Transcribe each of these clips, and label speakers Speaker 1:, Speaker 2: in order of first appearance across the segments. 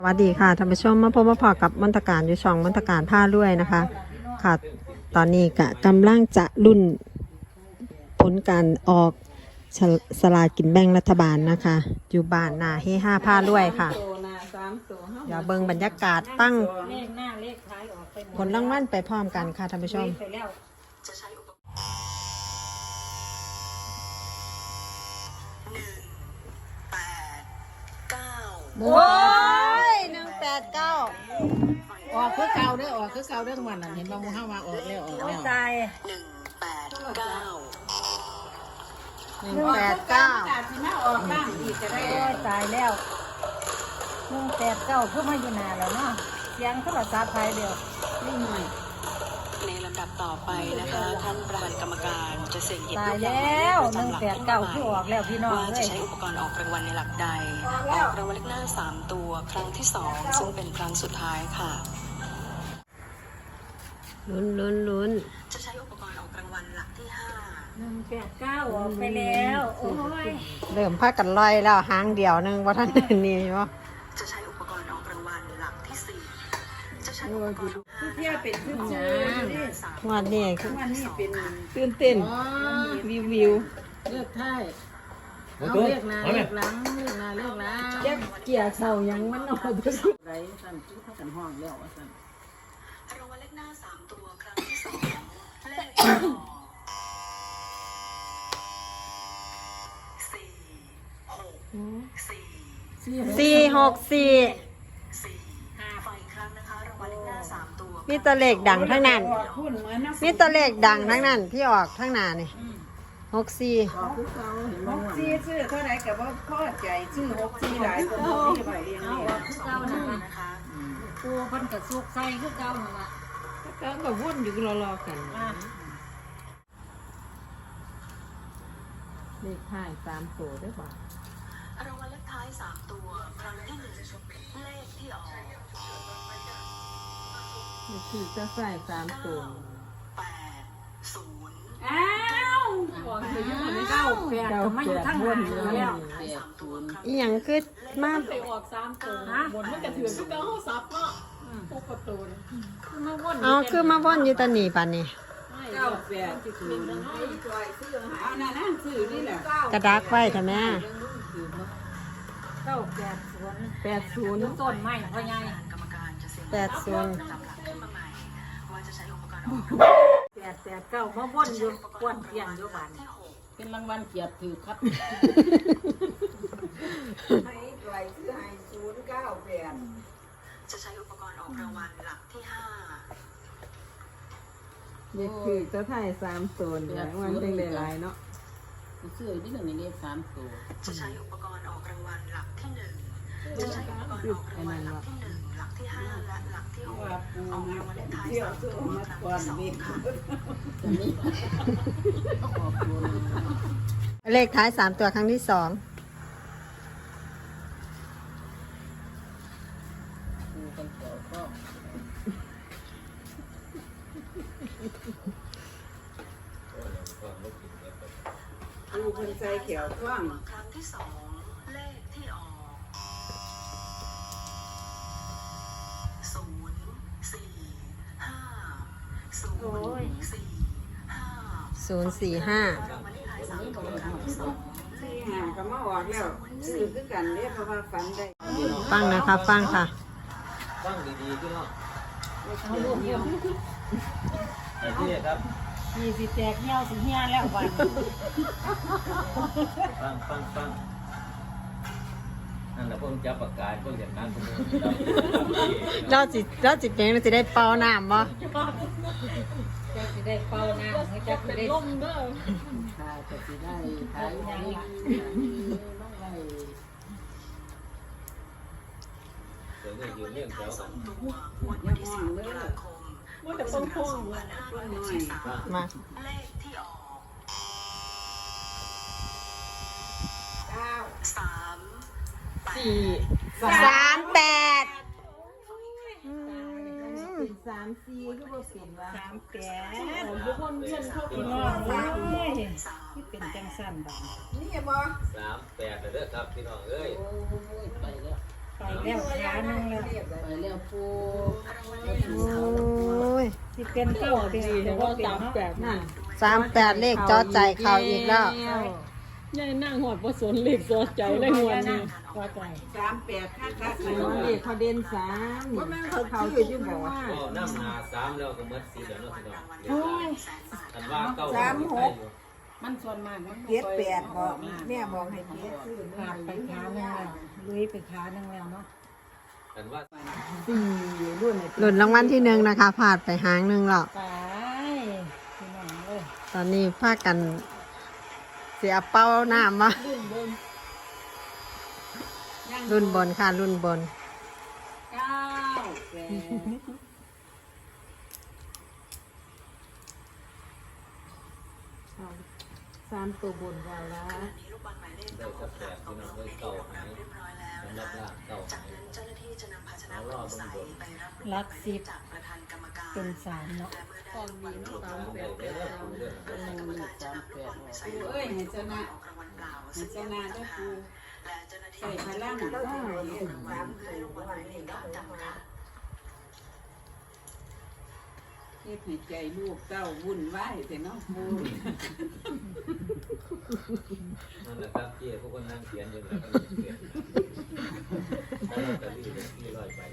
Speaker 1: สวัสดีค่ะท่านผู้ชมมาพบมาพอกับมนตการอยู่ช่องมนตการผ้าด้วยนะคะค่ะตอนนี้กำลังจะรุ่นผลการออกสลากกินแบ่งรัฐบาลนะคะอยู่บ้านนาเฮห้าผ้าด้วยค่ะอย่าเบิ่งบรรยากาศตั้งผลรางวัลไปพร้อมกันค่ะท่านผู้ชมโอ้ย189
Speaker 2: ออกคือเก่าเด้อออกคือเก่าเด้อทุกวันน่ะเห็นบางหมู่เฮาว่าออกแล้วออกแล้ว
Speaker 1: ใจ189
Speaker 2: สิมาออกบ้างอีกก็ได้
Speaker 3: ตายแล้ว189คือมาอยู่นานแล้วเนาะเสียงโทรศัพท์ไทยเดียว
Speaker 2: นี่หน่อย
Speaker 4: ในลำดับต่อไปนะคะท่านประธานกรรมการจะเสี่ยงหยิบ
Speaker 3: ตาย
Speaker 4: ลูก
Speaker 3: แล้ว
Speaker 4: ยางประจำหลักขึ้นมา
Speaker 3: 189คือออกแล้วพี่น้อง
Speaker 4: ว่า
Speaker 3: เล
Speaker 4: จะ
Speaker 3: ย
Speaker 4: ใช้อุปกรณ์ออกรางวัลในหลักใดออกรางวัลเลขหน้า3ตัวครั้งที่2ซึ่งเป็นครั้งสุดท้ายค่ะ
Speaker 1: ลุ้น
Speaker 4: จะใช้อุปกรณ์ออกรางวัลหลักที่
Speaker 3: 189ออกไปแล้วโอ้ย
Speaker 1: เริ่มพากันลอยแล้วหางเดียวนึงว่าท่านนี่วะ
Speaker 4: จะใช้อุปกรณ์ออกรางวัลหลักที่4จะใช้อุปกรณ์
Speaker 2: เที่ยวเป็นชื่อๆนี่
Speaker 1: วันนี้คือ
Speaker 2: วันนี้เป็น
Speaker 1: ตื่นเต้นวิว
Speaker 2: เลือกท้ายเอาเลือกหน้าเลือกหลังเลือกหน้าเลือกหลัง
Speaker 1: เกี่ยเข่ายังมันเอาไป
Speaker 2: ไรสั่นจุ๊บกันห้องแล้วว่าสั่น
Speaker 4: รางวัลเลขหน้า3ตัวครั้งที่2เลขที่ออก4 6 4 4 5 ครั้งนะคะรางวัลเลขหน้า3ตัว
Speaker 1: มีตะเลขดังทั้งนั้น
Speaker 2: พูดเหมือนนะ
Speaker 1: มีตะเลขดังทั้งนั้นที่ออกทั้งหน้านี่64
Speaker 2: ออกคือเก่าเห็นบ่ว่า64ชื่อเท่าไหร่ก็บ่พอใจชื่อ64หลายคนที่ไปเรียนนี่
Speaker 3: คือเก่านั่นล่ะปูเพิ่นก็สุกใส่คือเก่านั่นล่ะ
Speaker 1: ก็วนอยู่รอๆกันเลขท้าย3ตัวด้วยป่ะ
Speaker 4: รางวัลเลขท้าย3ตัวครั้งที่1เลขที่ออก
Speaker 1: เลขที่จะใส่3ตัว
Speaker 4: 8 0
Speaker 3: อ้าวออกอยู่ในเก้าแปดก็มาอยู่ทางหน้าแล้ว
Speaker 1: อีหยังคือมา
Speaker 5: ไปออก3ตัวบนมันก็ถือคือเก่าเฮาซับเนาะพวกประตูนี่คือมาวน
Speaker 1: เอาคือมาวนอยู่ตะนี่ป่ะนี่
Speaker 2: 98คือเอานั่นซื้อนี่แหละ
Speaker 1: กระดักไว้ท่ะแม่
Speaker 3: 980ต้นไม้พ่อใหญ่
Speaker 4: กรรมการจะเสี่ยง
Speaker 1: 80
Speaker 4: ลำดับขึ้นมาใหม่ว่าจะใช้อุปกรณ์ออก
Speaker 3: 889มาวนอยู่กวนเพียงอยู่บ้าน
Speaker 4: ที่
Speaker 2: เป็นรางวัลเกียรติถือครับให้ไว้ซื้อให้098
Speaker 4: 6จะใช้อุปกรณ์ออกรางวัลหลักที่5
Speaker 1: เลขคือจะถ่าย3ตัวเนี่ยมันเป็นหลายๆเนาะ
Speaker 2: ซื้อที่1ในเลข3ตัว
Speaker 4: จะใช้อุปกรณ์ออกรางวัลหลักที่1จะใช้อุปกรณ์ออกรางวัลหลักที่1หลักที่5และหลักที่6ออกรางวัลเลขท้าย3ตัวครั้งที่2ค่ะ
Speaker 1: เลขท้าย3ตัวครั้งที่2
Speaker 2: ดูคนใจเขียวกว้าง
Speaker 4: ครั้งที่2เลขที่ออก
Speaker 1: 045
Speaker 2: ก็มาออกแล้วซื้อคือกันเด้เพราะว่าฝันได้
Speaker 1: ฟังนะคะฟังค่ะ
Speaker 6: ฟังดีๆพี่น้อง
Speaker 2: เอาลูกเดียว
Speaker 6: นี่ครับ
Speaker 3: นี่สิแตกเหี่ยวสิเหี่ยแล้วบัด
Speaker 6: ฟังนั่นแหละพวกจับปากกาพวกอย่างนั้นพวกนี้
Speaker 1: เราจิเป็นเราจะได้เป่าน้ำบ่
Speaker 3: จะสิได้เป่าน้ำให้จัก
Speaker 5: เป็น
Speaker 3: ได้
Speaker 5: ลมเด้อ
Speaker 2: ถ้าจะสิได้ขายได้ได้
Speaker 6: เดี๋ยวนี้อยู่เรื่องแถวกัน
Speaker 4: วันที่10ตุลาคม
Speaker 5: มันจะต้องพ่วง
Speaker 1: มา
Speaker 4: เลขที่ออก3
Speaker 1: 38
Speaker 2: 34คือบ่เป็นว่า
Speaker 5: ทุกคนเพื่อนเข้า
Speaker 3: พี่น้องเอ้ยที่เป็นจังซั่นบัด
Speaker 2: นี่บ่
Speaker 6: 38เด้อครับพี่น้องเอ้ย
Speaker 2: โอ้ยไปแล้ว
Speaker 3: ไปแล้วขาหนึงแล้ว
Speaker 2: ไปแล้วปู
Speaker 1: โอ้ย
Speaker 3: สิเป็นเก้าดีแต่ว่าเป็นเนาะ
Speaker 2: นั่น
Speaker 1: 38เลขจอใจเข้าอีกแล้ว
Speaker 5: ยายนั่งหอดบ่สนเหล็กสอดใจเลยหัวนี่
Speaker 3: ก็ใจ
Speaker 2: 38ค่าคัก
Speaker 1: เลขเขาเด่น3
Speaker 2: ว่าแม่งเขาชื่ออยู่บ่ว่า
Speaker 6: ก็น้ำหนา3แล้วก็หมด4แล้วเนาะพี่น้องอันว่าเก้า
Speaker 3: มันส่วนมากมัน
Speaker 2: เจ็ดแปดบอกแม่บอกให้เจ็ดซื้อ
Speaker 3: ขาดไปขาหนึงแล้วลุยไปขาหนึงแล้วเนาะ
Speaker 6: อันว่า
Speaker 1: รุ่นรางวัลที่1นะคะพลาดไปหางหนึงแล้ว
Speaker 3: ไปพี่น้องเอ้ย
Speaker 1: ตอนนี้พากันเสียเป้าน้ำมารุ่นบนค่ะรุ่นบน
Speaker 2: 3ตัวบนว่าละ
Speaker 4: มีลูกบอลหมายเลข
Speaker 6: ได้สัก8พี่น้องได้เก้าหาย
Speaker 4: เรียบร้อยแล้ว
Speaker 6: สำหรับล่างเก้า
Speaker 4: จาก
Speaker 6: หาย
Speaker 4: นั้นเจ้าหน้าที่จะนำภาชนะของใสไปรับ
Speaker 3: หลักสิบ
Speaker 4: จากประธานกรรมการ
Speaker 3: เป็นสามเนาะ
Speaker 4: และเมื่อได้วันครบ
Speaker 6: 3ได้เด้อปูเด้อ
Speaker 4: ประธานกรรมการจะนำลูกบอลไปใส่
Speaker 2: ปูเอ้ยให้เจ้าหน้า
Speaker 4: ออกรางวัลเปล่า
Speaker 2: ให้
Speaker 4: ซึ่ง
Speaker 2: เจ้าหน้าได้ปู
Speaker 4: และเจ้าหน้าที่
Speaker 2: ใส่พลัง
Speaker 4: จะ
Speaker 2: ได้
Speaker 4: นำ
Speaker 2: ให้
Speaker 4: รางวัลให้ลูกบอลหมายเลขดำค่ะ
Speaker 2: เฮ็ดให้ใจลูกเต้าวุ่นวายแต่เนาะปู
Speaker 6: นั่นแหละครับเจ้พวกคนนั่งเขียนอยู่แล้วก็เขียนแล้วก็รีบร้อยไป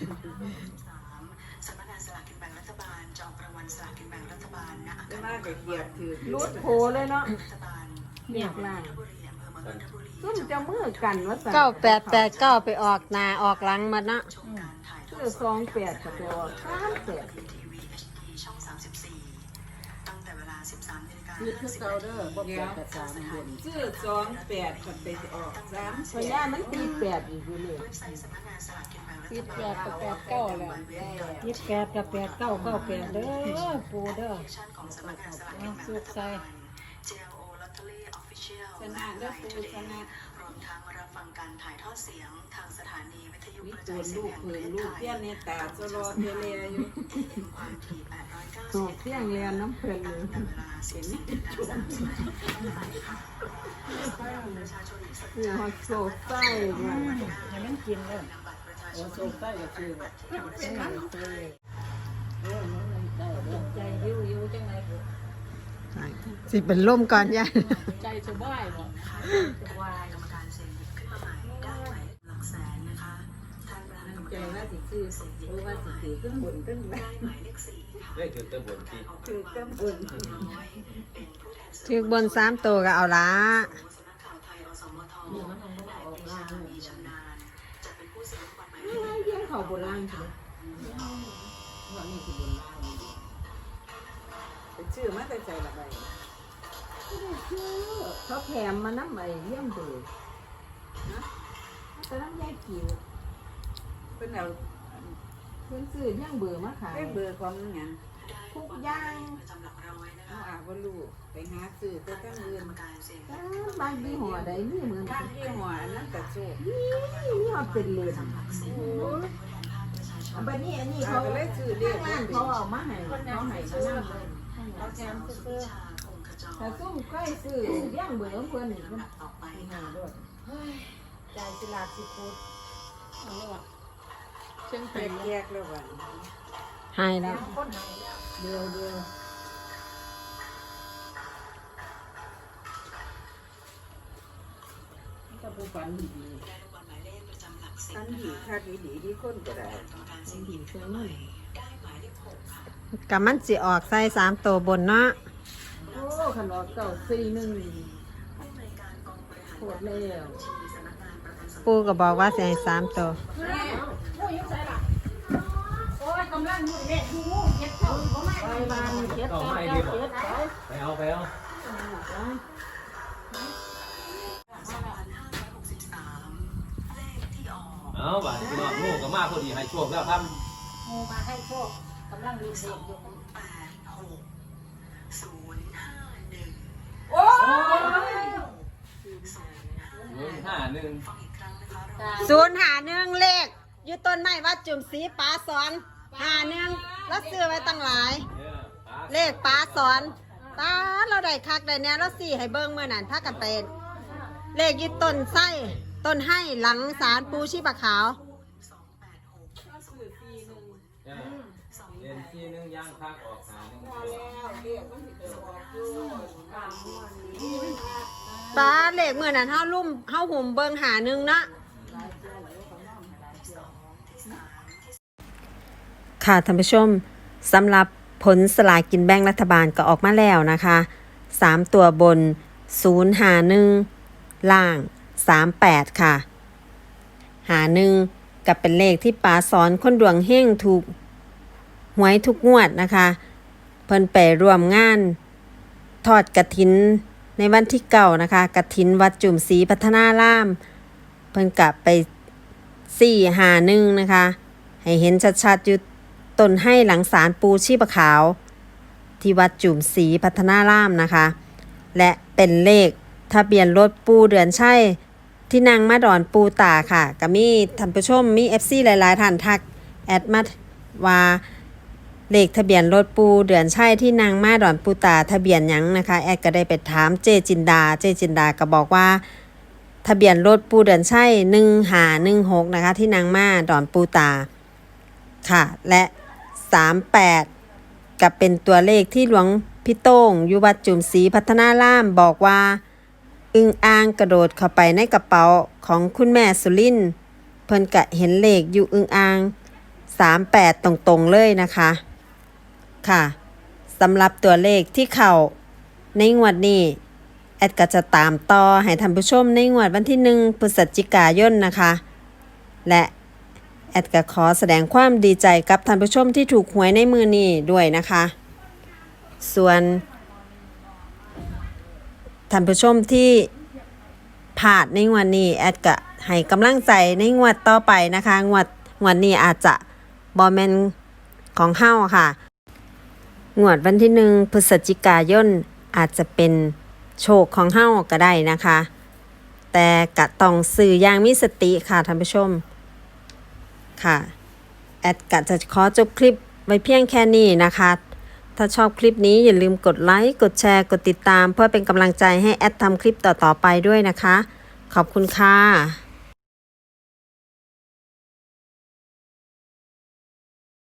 Speaker 4: สำนักงานสลากกินแบ่งรัฐบาลจะออกรางวัลสลากกินแบ่งรัฐบาลณอา
Speaker 2: จะ
Speaker 4: คาร
Speaker 2: มาก็เกียบถือ
Speaker 1: รุดโผเลยเนาะ
Speaker 4: รัฐบาล
Speaker 2: เรียกล่าง
Speaker 4: นนทบุรีอำเภอเมืองนนทบุรี
Speaker 2: ซุ่มจะมือกันว่าสั่น
Speaker 1: 9889ไปออกหน้าออกหลังมาเนาะ
Speaker 4: ชมการถ่ายทอ
Speaker 2: ซื้
Speaker 4: ด
Speaker 2: อ
Speaker 4: สด
Speaker 2: 28ก็ไปออก38
Speaker 4: ทีวี HD ช่อง 34 ตั้งแต่เวลา 13 นาฬิกา
Speaker 2: คือคือเก่าเด้อบ่แปดกับ3บนซื้อ28ก็ไปออก3พญามันตี8อีกอยู่เลย
Speaker 4: เว็บไซต์สำนักงานสลากกินแบ่งรัฐ
Speaker 5: ติด
Speaker 4: บาล
Speaker 5: 8กับ8 9แล้ว
Speaker 3: 28กับ8998เด้อปูเด้อ
Speaker 4: ชั่นของสำนักงานสลากกินแบ่งรัฐบาล JLO Lottery Official
Speaker 2: ชนะเด้อปูชนะ
Speaker 4: รวมทั้งรับฟังการถ่ายทอดเสียงทางสถานีวิทยุ
Speaker 2: มี
Speaker 4: กระ
Speaker 2: ตั
Speaker 4: จา
Speaker 2: วย
Speaker 4: เสี
Speaker 2: ลู
Speaker 4: ยง
Speaker 2: ก
Speaker 4: แห่ง
Speaker 2: เพิ่
Speaker 4: ประ
Speaker 2: น
Speaker 4: เทศ
Speaker 2: ลูก
Speaker 4: ไทย
Speaker 2: เตี้ยเนี่ยตาสโลเทเลอยู่
Speaker 4: ความถี่
Speaker 2: โศกเตี้ยงเรียนน้ำเพิ่นเลย
Speaker 4: 890 เวลา 14:30 นค่ะประชาชนที่สน
Speaker 2: คือฮอดโศกไส้เนี่ย
Speaker 3: ให้มันกินเด้อ
Speaker 4: นำบัตรประชาช
Speaker 2: โอ้
Speaker 4: น
Speaker 2: โศกไส้ก็คือแบบ
Speaker 3: เป็นหนังเตย
Speaker 2: ได้เด้อ
Speaker 3: ใจยิ้วจังได๋
Speaker 1: สิเป็นล่มก่อนย่า
Speaker 5: ใจสบายบ่
Speaker 3: วาย
Speaker 4: กรรมการเสียงหยิบขึ้นมาใหม่ได้หมายหลักแสนนะคะท่านประธานกรรม
Speaker 2: ใจ
Speaker 4: การ
Speaker 2: ว่าสิซื้อเพราะว่าสิถือเครื่องบนเครื่อง
Speaker 4: ได้
Speaker 2: ล่าง
Speaker 4: หมายเลข4ค่ะ
Speaker 6: ได้ถึงตะบนที่
Speaker 2: ถือเครื่องบน
Speaker 4: น้อยเป็นผู้แทนสื่อ
Speaker 1: ถือบน3ตัวก็เอาละ
Speaker 4: สำนักข่าวไทยอสมทนายปรีชามีชำนาญจะเป็นผู้เสียงลูกบอลหมายเลข
Speaker 2: เยี่ยงเขาโบราณใช่ไหมว่านี่คือบนล่างเป็นชื่อมาแต่ใจละใบไม่ได้ชื่อเขาแถมมาน้ำใบเยี่ยมเบอร์นะแต่น้ำยายกิวเป็นเอาเพิ่นซื้อย่างเบอร์มาขายเบอร์ของหยังทุกอย่าง
Speaker 4: ประจำหลักร้อยนะ
Speaker 2: เอา
Speaker 4: คะ
Speaker 2: อาว่าลูกไปหาซื้อแต่ตั้งเงิน
Speaker 4: กรรมการเสียง
Speaker 2: บางยี่ห้อใดนี่เหมือนกันยี่ห้ออันนั้นกระโชกนี่มันเป็นเลนโอ้ยบัดนี้อันนี้เขาเลยซื้อเรียกร้านเขาเอามาให้เขาให้มานั่งเลยเขาแถมซื้อแต่ซุ่มใกล้ซื้อย่างเบอร์เพิ่นนี่มัน
Speaker 4: ต่อไป
Speaker 2: หาด้วย
Speaker 3: ใจสิลาสิพูด
Speaker 5: เอาละว่ะเชียง
Speaker 2: แต
Speaker 5: เป็
Speaker 2: ก
Speaker 5: น
Speaker 2: แยกแล้ววัน
Speaker 1: หายแล้ว
Speaker 3: คนหายแล้ว
Speaker 2: เดียวถ้าผู้ฝันดี
Speaker 4: ได้ลูกบอลหมายเลขประจำหลักสิบ
Speaker 2: ฝันดีค่าดีที่คนก็ได้
Speaker 4: กรรมการเสียงหยิบขึ้นมาใหม่ได้หมายเลข6ค่ะ
Speaker 1: กับมันสิออกใส่3ตัวบนเนาะ
Speaker 2: โอ้ขนมเก่า4-1
Speaker 4: ผู้อำนวยการกองบริหาร
Speaker 2: โคตรแล้ว
Speaker 4: ที่สำนักงานประกันสังคม
Speaker 1: ปูก็บอกว่าสิให้3ตัว
Speaker 3: โอ้ยกำลังอยู่เด็กอยู่เฮ็ดเข้าบ่มา
Speaker 2: ไปบ้านเจ็ด
Speaker 6: ต้อง
Speaker 2: เก้า
Speaker 6: ให้
Speaker 2: เก้า
Speaker 6: ดีบ่
Speaker 2: เจ็ดไป
Speaker 6: ไปเอาไปเอา
Speaker 4: 2563 เลขที่ออก
Speaker 6: เอาบาดพี่น้องลูกก็มาพอดีให้โชคแล้วครับ
Speaker 3: โมมาให้โชคกำลังดูเด็กอยู่
Speaker 4: 86 051
Speaker 3: โอ้ย
Speaker 6: 051
Speaker 4: ฟังอีกครั้งนะคะเรา
Speaker 1: 051เลขอยู่ต้นไม้วัดจุ่มศรีปาสอน51แล้วซื้อไว้ตั้งหลาย เลขปาสอนตาเราได้คักได้แน่เราสี่ให้เบิ่งเมื่อนั้นพากันเป็นเลขอยึดต้นไส้ต้นให้หลังศาลปูชีปะขาว
Speaker 6: 41ย่างคักออกหาหนึ่ง
Speaker 2: แล้วเรียกมันสิไปออกอยู่ตามม่วนนี่
Speaker 1: ตาเลขมื้อนั้นเฮาหุ่มเบิ่งหาหนึงเนาะค่ะท่านผู้ชมสำหรับผลสลากกินแบ่งรัฐบาลก็ออกมาแล้วนะคะ3ตัวบน051ล่าง38ค่ะ51กับเป็นเลขที่ป๋าสอนคนดวงเฮงถูกหวยทุกงวดนะคะเพิ่นไปร่วมงานทอดกฐินในวันที่9นะคะกฐินวัดจุ่มศรีพัฒนารามเพิ่นกลับไป451นะคะให้เห็นชัดๆอยู่ต้นให้หลังศาลปูชีพขาวที่วัดจุ่มศรีพัฒนารามนะคะและเป็นเลขทะเบียนรถปูเดือนชัยที่นางมาดอนปูตาค่ะก็มีท่านผู้ชมมี FC หลายๆท่านทักแอดมาว่าเลขทะเบียนรถปูเดือนชัยที่นางมาดอนปูตาทะเบียนหยังนะคะแอดก็ได้ไปถามเจจินดาก็บอกว่าทะเบียนรถปูเดือนชัย1516นะคะที่นางมาดอนปูตาค่ะและ38กับเป็นตัวเลขที่หลวงพี่โต้งอยู่วัดจุ่มศรีพัฒนารามบอกว่าอึ่งอ่างกระโดดเข้าไปในกระเป๋าของคุณแม่สุรินทร์เพิ่นกะเห็นเลขอยู่อึ่งอ่าง38ตรงๆเลยนะคะค่ะสำหรับตัวเลขที่เข้าในงวดนี้แอดก็จะตามต่อให้ท่านผู้ชมในงวดวันที่1พฤศจิกายนนะคะและแอดก็ขอแสดงความดีใจกับท่านผู้ชมที่ถูกหวยในมือนี้ด้วยนะคะส่วนท่านผู้ชมที่พลาดในงวดนี้แอดก็ให้กำลังใจในงวดต่อไปนะคะงวดนี้อาจจะบ่แม่นของเฮาค่ะงวดวันที่1พฤศจิกายนอาจจะเป็นโชคของเฮาก็ได้นะคะแต่ก็ต้องซื้ออย่างมีสติค่ะท่านผู้ชมค่ะแอดก็จะขอจบคลิปไว้เพียงแค่นี้นะคะถ้าชอบคลิปนี้อย่าลืมกดไลค์กดแชร์กดติดตามเพื่อเป็นกำลังใจให้แอดทำคลิปต่อๆไปด้วยนะคะขอบคุณค่ะ